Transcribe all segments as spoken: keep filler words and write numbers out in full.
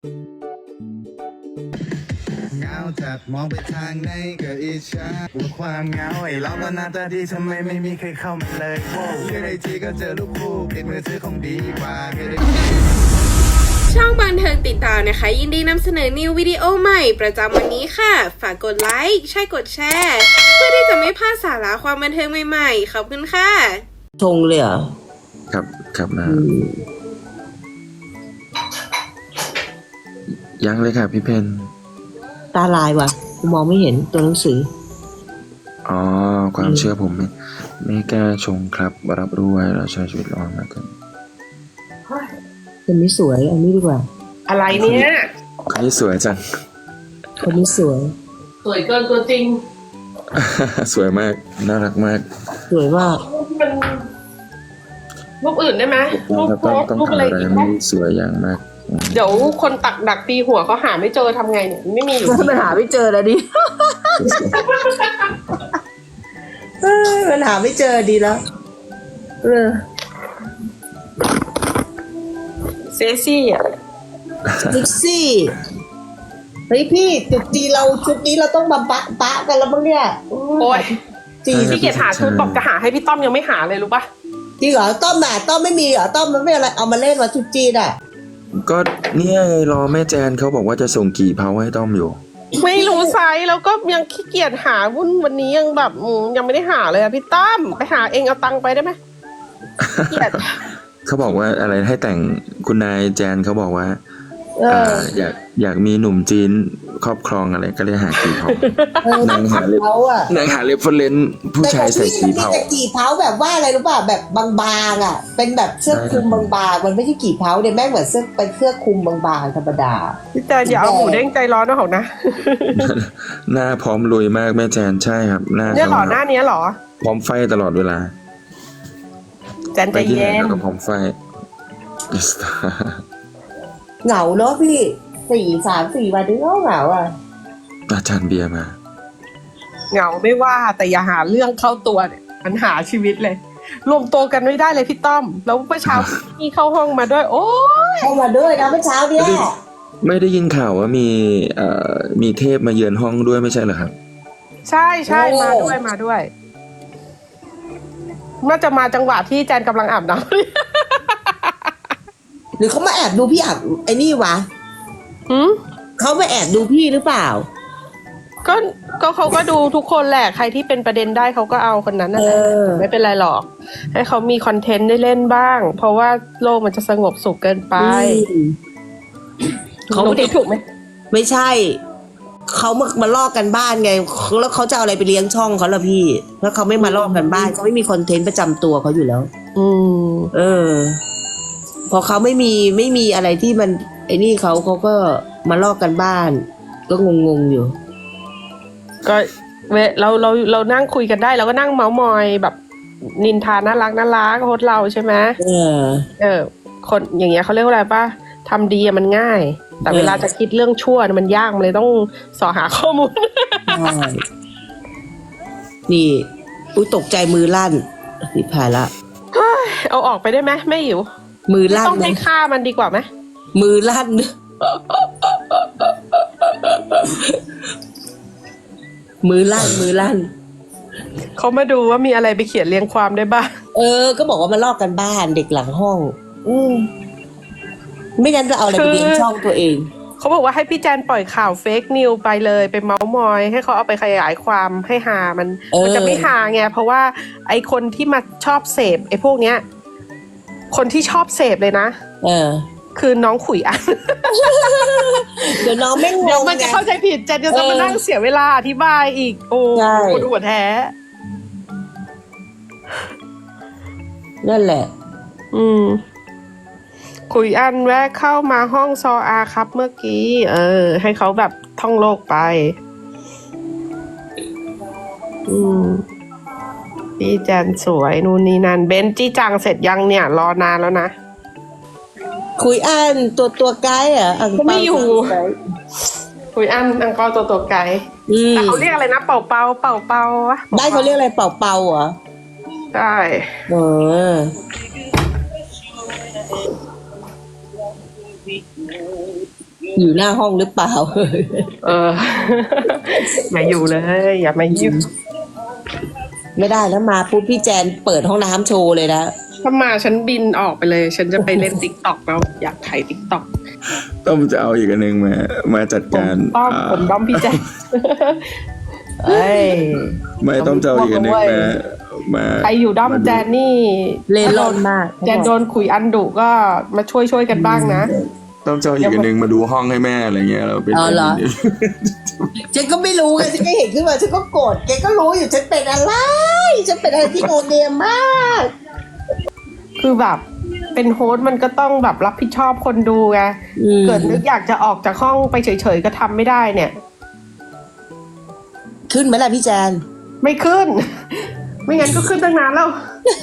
เงาจัดมองไปทางไหนก็อิจฉาความเหงาไอ้เราก็หน้าตาดีทำไมไม่มีใครเข้ามาเลยโว้เจอไอจีก็เจอรูปคู่ปิดมือถือคงดีกว่าช่องบันเทิงติดตามนะคะยินดีนำเสนอนิววิดีโอใหม่ประจำวันนี้ค่ะฝากกดไลค์ใช่กดแชร์เพื่อที่จะไม่พลาดสาระความบันเทิงใหม่ๆขอบคุณค่ะชงเลยเหรอครับครับนะยังเลยค่ะพี่เพนตาลายว่ะกูมองไม่เห็นตัวหนังสืออ๋อความเชื่อผมไม่ไม่กล้าชงครับรับรู้ไว้เราใช้ชีวิตรอดมากันคนนี้สวยอันนี้ดีกว่าอะไรเนี่ยคนนี้สวยจังคนนี้สวยสวยเกินตัวจริงสวยมากน่ารักมากสวยมากมันรูปอื่นได้ไหมรูปโพสรูปอะไรอีกไหมสวยอย่างมากเดี๋ยวคนตักดักตีหัวเขาหาไม่เจอทำไงเนี่ยไม่มีอยู่มันหาไม่เจอแล้วดิมันหาไม่เจอดีแล้วเออเซ็กซี่อ่ะเซ็กซี่เฮ้ยพี่จุดจีเราชุดนี้เราต้องมาปะปะกันแล้วมั้งเนี่ยโอ้ยจีพี่เกียรติหาชุดบอกจะหาให้พี่ต้อมยังไม่หาเลยรู้ปะจริงเหรอต้อมหนาต้อมไม่มีเหรอต้อมมันไม่อะไรเอามาเล่นมาชุดจีนอ่ะก็เนี่ยรอแม่แจนเขาบอกว่าจะส่งกี่เพาให้ต้อมอยู่ไม่รู้ไซส์แล้วก็ยังขี้เกียจหาวุ่นวันนี้ยังแบบยังไม่ได้หาเลยอะพี่ต้อมไปหาเองเอาตังค์ไปได้ไหมเกียจเขาบอกว่าอะไรให้แต่งคุณนายแจนเขาบอกว่าอยากอยากมีหนุ่มจีนครอบครองอะไรก็เลยหากี่เผานางหาเล็บนางหาเล็บเฟรนผู้ชายใส่กี่เผากี่เผาแบบว่าอะไรรู้ป่ะแบบบางๆอ่ะเป็นแบบเสื้อคลุมบางๆมันไม่ใช่กี่เผาเดี๋ยวแม่งเหมือนเสื้อเป็นเสื้อคลุมบางๆธรรมดาพี่แจนอย่าเอาหมูเด้งใจร้อนนะเขานะหน้าพร้อมลุยมากแม่แจนใช่ครับหน้าเนี่ยหรอหน้านี้หรอพร้อมไฟตลอดเวลาแจนใจเย็นก็พร้อมไฟเหงาเนาะพี่สี่สามสี่วันนี้ก็เหงาอ่ะอาจารย์เบียร์มาเหงาไม่ว่าแต่อย่าหาเรื่องเข้าตัวเนี่ยปัญหาชีวิตเลยรวมตัวกันไม่ได้เลยพี่ต้อมแล้วเมื่อเช้าพี่เข้าห้องมาด้วยโอ้ยเข้ามาด้วยนะเมื่อเช้าเนี่ยไม่ได้ยินข่าวว่ามีเอ่อมีเทพมาเยือนห้องด้วยไม่ใช่เหรอครับใช่ใช่มาด้วยมาด้วยน่าจะมาจังหวะที่แจนกำลังอาบน้ำหรือเขามาแอบดูพี่อาบไอ้นี่วะหืมเขามาแอบดูพี่หรือเปล่าก็ก็เขาก็ดูทุกคนแหละใครที่เป็นประเด็นได้เขาก็เอาคนนั้นนั่นแหละไม่เป็นไรหรอกให้เขามีคอนเทนต์ได้เล่นบ้างเพราะว่าโลกมันจะสงบสุขเกินไปเขาไม่ได้ถูกไหมไม่ใช่เขามามาลอกกันบ้านไงแล้วเขาจะเอาอะไรไปเลี้ยงช่องเขาล่ะพี่ถ้าเขาไม่มาลอกกันบ้านเขาไม่มีคอนเทนต์ประจำตัวเขาอยู่แล้วอืมเออพอเขาไม่มีไม่มีอะไรที่มันไอ้นี่เขาเขาก็มาลอกกันบ้านก็งงๆอยู่ก็เวเราเราเรานั่งคุยกันได้เราก็นั่งเมาส์มอยแบบนินทาน่ารักน่ารักโฮสเราใช่ไหมเออเออคนอย่างเงี้ยเขาเรียกว่าอะไรป่ะทำดีมันง่ายแต่เวลาจะคิดเรื่องชั่วมันยากมันเลยต้องสอหาข้อมูลนี่อุ้ยตกใจมือลั่นนี่ผ่านละเอาออกไปได้ไหมไม่หิวมือลั่นต้องให้ฆ่ามันดีกว่าไหมมือลั่นมือลั่นมือลั่นเขามาดูว่ามีอะไรไปเขียนเรียงความได้บ้างเออก็บอกว่ามันลอกกันบ้านเด็กหลังห้องอืมไม่งั้นจะเอาอะไรไปเลี้ยงช่องตัวเองเขาบอกว่าให้พี่แจนปล่อยข่าวเฟกนิวไปเลยไปเมาส์มอยให้เขาเอาไปขยายความให้หามันมันจะไม่หาไงเพราะว่าไอคนที่มาชอบเสพไอพวกเนี้ยคนที่ชอบเสพเลยนะเออคือน้องขุยอันเดี๋ยวน้องไม่งงเดี๋ยวมันจะเข้าใจผิดแจนจะต้องมานั่งเสียเวลาอธิบายอีกโอ้ปวดหัวแท้นั่นแหละอืมขุยอันแวะเข้ามาห้องซออาครับเมื่อกี้เออให้เขาแบบท่องโลกไปอืมพี่แจนสวยนู่นนี่นั่นเบนจี้จังเสร็จยังเนี่ยรอนานแล้วนะคุยอันตัวตัวไกด์อ่ะเขาไม่อยู่คุยอันอังกอร์ตัวตัวไกด์แต่เขาเรียกอะไรนะเป่าเป่าเป่าเป่าวะได้เขาเรียกอะไรเป่าเป่าเหรอใช่เอออยู่หน้าห้องหรือเปล่าเออ อย่าอยู่เลย อย่ามายุ่งไม่ได้แล้วมาปุ๊บพี่แจนเปิดห้องน้ำโชว์เลยนะถ้ามาฉันบินออกไปเลย ฉันจะไปเล่นติ๊กต็อกแล้วอยากถ่ายติ๊กต็อกต้องจะเอาอีกอันหนึ่งมา มาจัดผมการต้อมอ่าผมด้อมพี่แจ๊คเอ้ยไม่ต้องจะเอาอีกอันหนึ่งมามาใครอยู่ด้อมแจนนี่เล่นร่อนมากแจนโดนขุยอันดุก็มาช่วยช่วยๆกันบ้างนะต้องจะเอาอีกอันหนึ่งมาดูห้องให้แม่อะไรเงี้ยเราเป็นอ๋อเหรอ ฉันก็ไม่รู้ไงฉันก็เห็นขึ้นมาฉันก็โกรธแกก็รู้อยู่ฉันเป็นอะไรฉันเป็นอะไรที่โนเนมมากคือแบบเป็นโฮสต์มันก็ต้องแบบรับผิดชอบคนดูไงอืมเกิดนึกอยากจะออกจากห้องไปเฉยๆก็ทำไม่ได้เนี่ยขึ้นไหมล่ะพี่แจนไม่ขึ้น ไม่งั้นก็ขึ้นตั้งนานแล้ว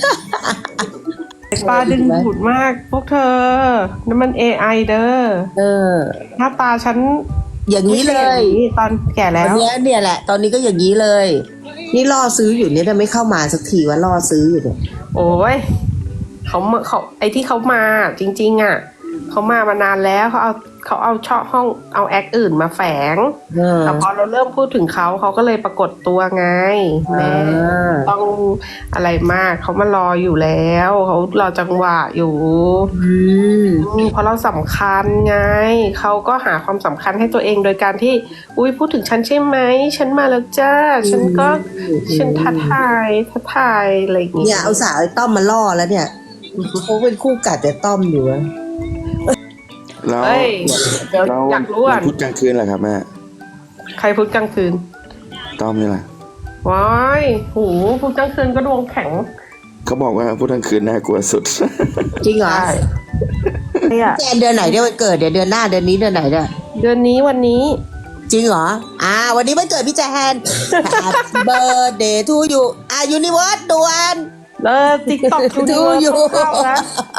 ปลาดึงดูดมาก พวกเธอนั่นมัน เอ ไอ เด้อเออหน้าตาฉันอย่างนี้เลยไม่ใช่อางนี้ตอนแก่ตแล้อนวเนี้ยเนี่ยแหละ ตอนนี้ก็อย่างนี้เลย นี่ล่อซื้ออยู่เนี่ยแต่ไม่เข้ามาสักทีว่าล่อซื้ออยู่เนี่ยโอ้ยเขามาเขาไอที่เขามาจริง ๆ อ่ะเขามามานานแล้วเขาเอาเขาเอาช่อห้องเอาแอคอื่นมาแฝงเออแต่พอเราเริ่มพูดถึงเขาเขาก็เลยปรากฏตัวไงแม่อ่าต้องอะไรมากเขามารออยู่แล้วเขารอจังหวะอยู่อืมอืมเพราะเราสำคัญไงเขาก็หาความสำคัญให้ตัวเองโดยการที่ อุ้ยพูดถึงฉันใช่ไหมฉันมาแล้วจ้าฉันก็ฉันท้าทายท้าทายอะไรอย่างเงี้เนี่ยยเอาสาวไอ้ต้อมมาล่อแล้วเนี่ยเขาเป็นคู่กัดแต่ต้อมอยู่อะแล้วเฮ้ยเดี๋ยวแล้วอยากรู้อ่ะวันพุธกลางคืนเหรอครับแม่ใครพูดกลางคืนต้อมนี่แหละว้ายโหพูดกลางคืนก็ดวงแข็งเขาบอกว่าพุธกลางคืนน่ากลัวสุดจริงเหรอใช่เนี่ยแจนเดือนไหนเนี่ยวันเกิดเดี๋ยวเดือนหน้าเดือนนี้เดือนไหนเนี่ยเดือนนี้วันนี้จริงเหรอ อ่า วันนี้วันเกิดพี่แจน Happy birthday to you อ่ายูนิเวิร์สด่วนเออติ๊กต็อกทูดูดูออยู่ ยู่นะ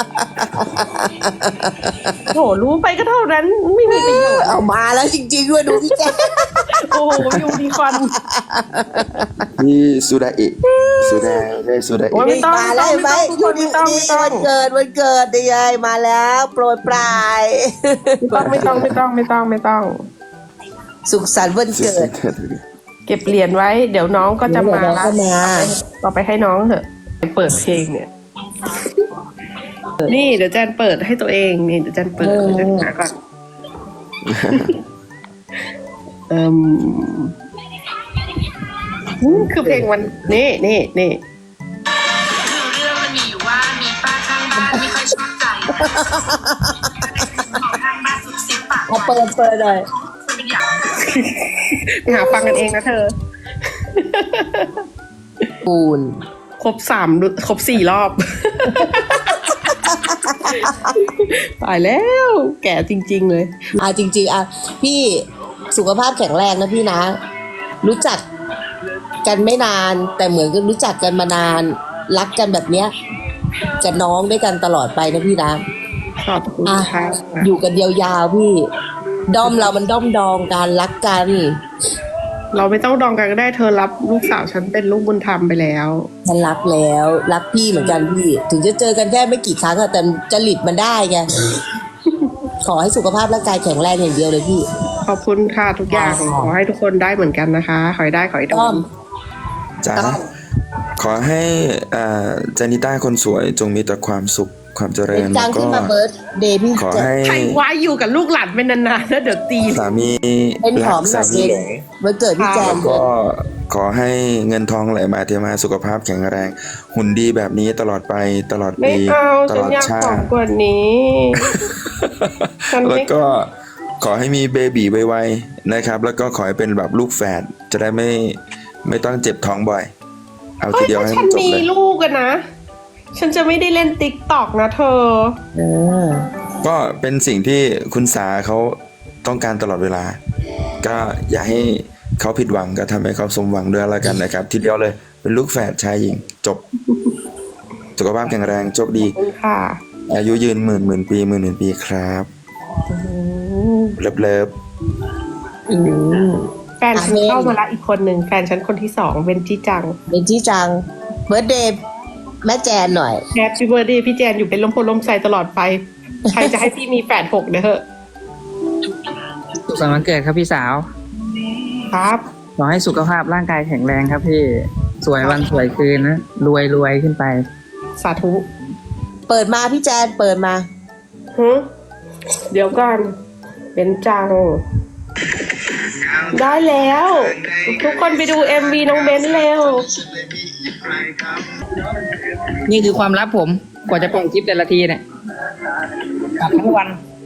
โหรู้ไปก็เท่านั้น ไม่มีประโยชน์เอามาแล้วจริงๆด้วยดูพี่แจนโอ้โหยูนิคอร์นนี่สุดาอิสุดาได้สุดาโอ้อิย ไม่ต้องมาแล้วเห็นไหมไม่ต้องยูนิไม่ต้องไม่ต้องวันเกิดวันเกิดนี่ไงมาแล้วโปรยปลายไม่ต้องไม่ต้องไม่ต้องไม่ต้องสุขสันต์วันเกิดเก็บเหรียญไว้ เดี๋ยวน้องก็จะมาเดี๋ยวน้องก็มาต่อไปให้น้องเถอะเปิดเพลงเนี่ย นี่เดี๋ยวแจนเปิดให้ตัวเองนี่เดี๋ยวแจนเปิดเดี๋ยวแจนหาก่อน เอ่มอืมคือเพลงวันนี่นี่นี่คือเรื่องมันมีอยู่ว่ามีป้าข้างบ้านไม่ค่อยชอบใจของข้างบ้านสุดเสียงปากเอาเปิดเปิดเลยเป็นอย่างไปหาฟังกันเองนะเธอปูนครบสามครบสี่รอบ ตายแล้ว แก่จริง ๆ เลยอ่ะจริงๆอ่ะพี่สุขภาพแข็งแรงนะพี่นะ รู้จักกันไม่นาน แต่เหมือนกับรู้จักกันมานาน รักกันแบบเนี้ยกับน้องด้วยกันตลอดไปนะพี่นะขอบคุณอ่ะค่ะอยู่กันยาวๆพี่ด้อมเรามันด้อมดองกันรักกันเราไม่ต้องดองกันก็ได้เธอรับลูกสาวฉันเป็นลูกบุญธรรมไปแล้วฉันรักแล้วรักพี่เหมือนกันพี่ ถึงจะเจอกันแค่ไม่กี่ครั้งอะแต่จริตมันได้ไง ขอให้สุขภาพร่างกายแข็งแรงอย่างเดียวเลยพี่ขอบคุณค่ะทุกอย่างอ๋อขอให้ทุกคนได้เหมือนกันนะคะขอให้ได้ขอให้โดต้อน มจ๋าต้อมขอให้อ่าเจนิต้าคนสวยจงมีแต่ความสุขความเจริญจัแล้งวก็ขึ้นมาเบิร์ดเดย์พี่ขอจะให้ใครว่าอยู่กับลูกหลานเป็นนานๆแล้วเดี๋ยวตีนสามีเป็นหรัอก มสาแบบมีเองหลงวันเกิดพี่แจนแล้วก็ขอให้เงินทองไหลมาเทมาสุขภาพแข็งแรง หุ่นดีแบบนี้ตลอดไปตลอดไม่ปีเอาตฉัลนอดอยากชาของติกว่านี้ ฉันแล้วไม่ก็ขอให้มีเบบีไวๆนะครับ แล้วก็ขอให้เป็นแบบลูกแฝดจะได้ไม่ไม่ต้องเจ็บท้องบ่อย เอาเฮ้ทียเดียวถ้าให้ฉัมัน นจบมีเลยลูกอะนะ ฉันจะไม่ได้เล่นติ๊กต็อกนะเธอเออก็เป็นสิ่งที่คุณสาเขาต้องการตลอดเวลา ก็อย่าให้เขาผิดหวังก็ทำให้เขาสมหวังด้วยแล้วกันนะครับ ทีเดียวเลยเป็นลูกแฝดชายหญิงจบ สุขภาพแข็งแรงโชคดีขอบคุณค่ะอายุยืนหมื่นหมื่นปีหมื่นหมื่นปีครับเลิฟเลิฟอืมแฟนฉันเข้ามาละอีกคนหนึ่งแฟนฉันคนที่สองเป็นจีจังเป็นที่จังเบิร์ดเดย์แม่แจนหน่อยแฮปปี้เบ t ร์ a เดย์พี่แจนอยู่เป็นลมโพลมใสตลอดไป ใครจะให้พี่มีแฝดหกเด้อสุขสันต์วันเกิดครับพี่สาวครับขอให้สุขภาพร่างกายแข็งแรงครับพี่สวยวันสวยคืนนะรวยรวยขึ้นไปสาธุเปิดมาพี่แจนเปิดมาฮึเดี๋ยวก่อนเป็นจัง ได้แล้ว ทุกคนไปดู เอ็ม วี น้องเบนเร็วนี่คือความลับผมกว่าจะปล่อยคลิปแต่ละทีเนี่ยปรับทั้งวัน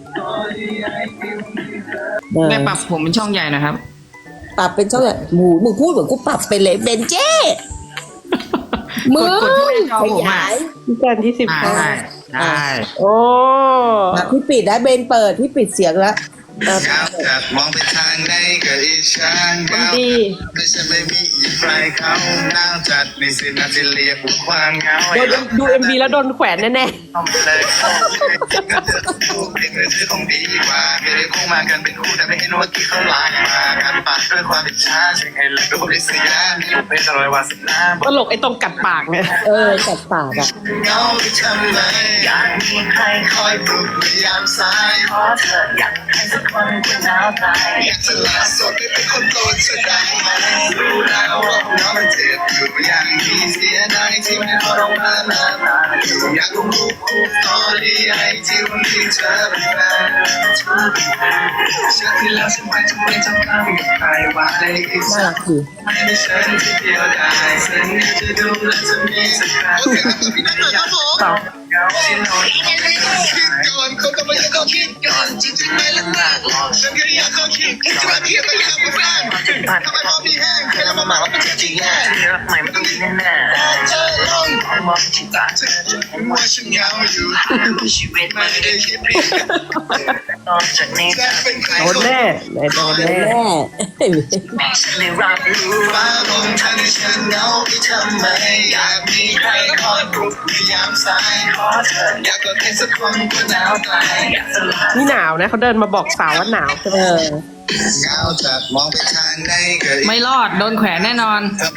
เออแม่ปรับผมเป็นช่องใหญ่นะครับปรับเป็นช่องไหนหมูมึงพูดเหมือนกูปรับเป็นเลยเบนเจ้มึงกดที่หน้าจอขผมอะยายพี่แจนที่สิบอ่าห้าได้ได้โอ้อ่ะพี่ปิดนะเบนเปิดพี่ปิดเสียงแล้วอ่ะเงาจัดมองไปทางไหนก็อิจฉาเงาดีไม่ใช่ไม่มีใครเขาหนาวจัดนี่สินาทีเรียกว่าความเหงาโดนดู เอ็ม วี แล้วโดนแขวนแน่เอาไปเลยก็เจอคู่เป็นมือถือของดีกว่าไม่ได้คู่มากันเป็นคู่แต่ไม่เห็นว่ากี่เขาลายมากันปากด้วยความอิจฉาสิ่งให้เลยก็บริสุทธิ์ยามีอยู่เป็นร้อยวันสิบห้าๆตลกไอ้ตรงกัดปากเนี่ยเออกัดปากอ่ะเงาไปทำไมอยากมีใครคอยปลุกในยามสายขอเธออยากให้สักคนคุณหนาวตายอยากจะลาสดได้เป็นคนโปรดเธอได้ไหมรู้แล้วว่าเงามันเจ็บอยู่อย่างนี้เสียดายที่ไม่พอเรามานานอยากรู้คู่ต่อดีไอที่วันนี้เธอเป็นแฟนเธอเป็นแฟนฉันที่แล้วฉันไปจะไม่จำคำกับใครว่าได้อีกน่าสัรักกดีไม่ได้ฉันที่เดียวได้ฉันจะดูแลจะมีสักครั้งต่อเงาที่นอนคิดก่อนคนต้องมาอยากเขาคิดก่อนจริงๆไม่ละมากฉันก็อยากเขาคิดจะมาเทียบกับอยากเป็นแฟนทำไมพอมีแห้งเคยทำมาหมาว่าเป็นจริงแย่รักใหม่มันต้องดีแน่ๆเธอลองมองที่ตาเธอจะเห็นว่าฉันเหงาอยู่ชีวิตไม่ได้คิดผิดนอกจากนี้จะเป็นใครโดนแน่ไหนโดนแน่แม่ไม่ฉันเลยรับรู้ว่าลงทางที่ฉันเหงาไปทำไมอยากมีใครคอยปลุกในยามสายขอเธออยากกอดใครสักคนก็หนาวตายอยากสลายนี่หนาวนะเขาเดินมาบอกสาวว่าหนาวใช่ไหมเออเหงาจัดมองไปทางไหนก็อีกไม่รอดโดนแขวนแน่นอน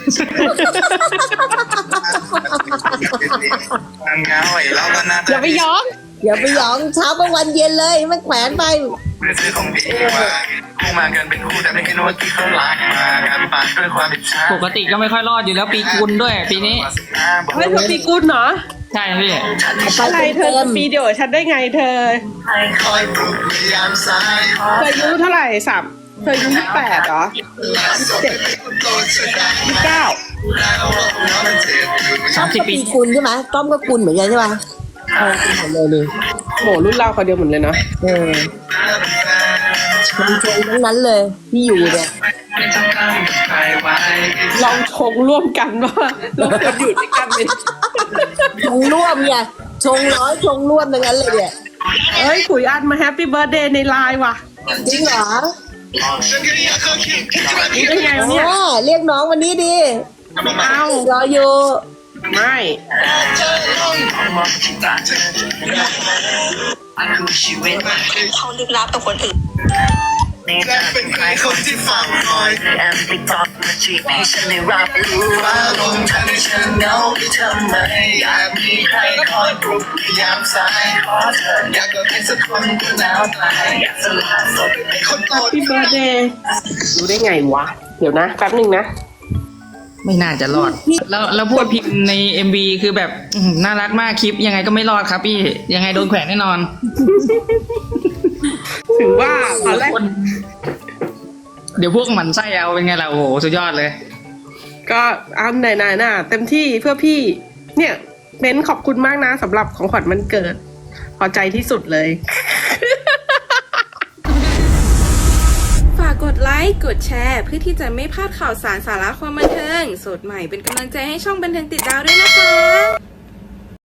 ความเหงาไอ้เราก็น่าอย่าไปย้อนอย่าไปหยองเช้ากลางวันเย็นเลยมันแขวนไปเป็นซื้อของดีกว่าคู่มากันเป็นคู่แต่ไม่เห็นว่ากี่เขาลายมากันปากด้วยความอิจฉาปกติก็ไม่ค่อยรอดอยู่แล้วปีกุลด้วยปีนี้ไม่เธอปีกุลเหรอใช่พี่อะไรเธอจะปีเดียวกับฉันได้ไงเธอคอยปลุกในยามสายขอเธออายุเท่าไหร่สามเธออายุยี่สิบแปดเหรอเจ็ดโดนเธอได้ยี่สิบเก้าแล้วว่าเราเจ็บอยู่สามสิบปีปีกุลใช่ไหมต้อมก็กุลเหมือนกันใช่ไหมเออกุลหมดเลยเลยโหรุ่นเราเขาเดียวเหมือนเลยเนาะเออชมชมทั้งนั้นเลยที่อยู่เนี่ยไม่ต้องการใครไว้ลองชงร่วมกันว่าเราควรอยู่ด้วยกันเป็นชงร่วมเนี่ยชงร้อยชงร่วมทั้งนั้นเลยเนี่ยเอ้ยขุยอันมาแฮปปี้เบิร์ดเดย์ในไลน์ว่ะจริงเหรอฉันก็อยากเขาคิดจะมารู้ได้ไงวะเนี่ยอ๋อเรียกน้องวันนี้ดีเอารออยู่ไม่เธอลองมองที่ตาเธออันคือชีวิตเขาลึกลับกับคนอื่นนี่จะเป็นใครคนที่เฝ้าคอยแอมติดต่อมาจีบให้ฉันได้รับรู้ว่าลงทางที่ฉันเหงาไปทำไมอยากมีใครคอยปลุกในยามสายขอเธออยากกอดใครสักคนก็หนาวตายอยากสละสดให้คนโปรดพี่เบิร์ดเดย์รู้ได้ไงวะ เดี๋ยวนะแป๊บหนึ่งนะไม่น่าจะรอด แล้วแล้วพูดพิมพ์ใน เอ็ม วี คือแบบอื้อหือน่ารักมากคลิปยังไงก็ไม่รอดครับพี่ยังไงโดนแขวนแน่นอนถึงว่าตอนแรกคนเดี๋ยวพวกหมันไส้เอาเป็นไงล่ะโอ้โหสุดยอดเลยก็อันไหนๆน่ะเต็มที่เพื่อพี่ เนี่ยเม้นขอบคุณมากนะสำหรับของขวัญวันเกิด พอใจที่สุดเลยฝากกดไลค์ กดแชร์ เพื่อที่จะไม่พลาดข่าวสารสาระความบันเทิง สดใหม่เป็นกำลังใจให้ช่องบันเทิงติดดาวด้วยนะคะ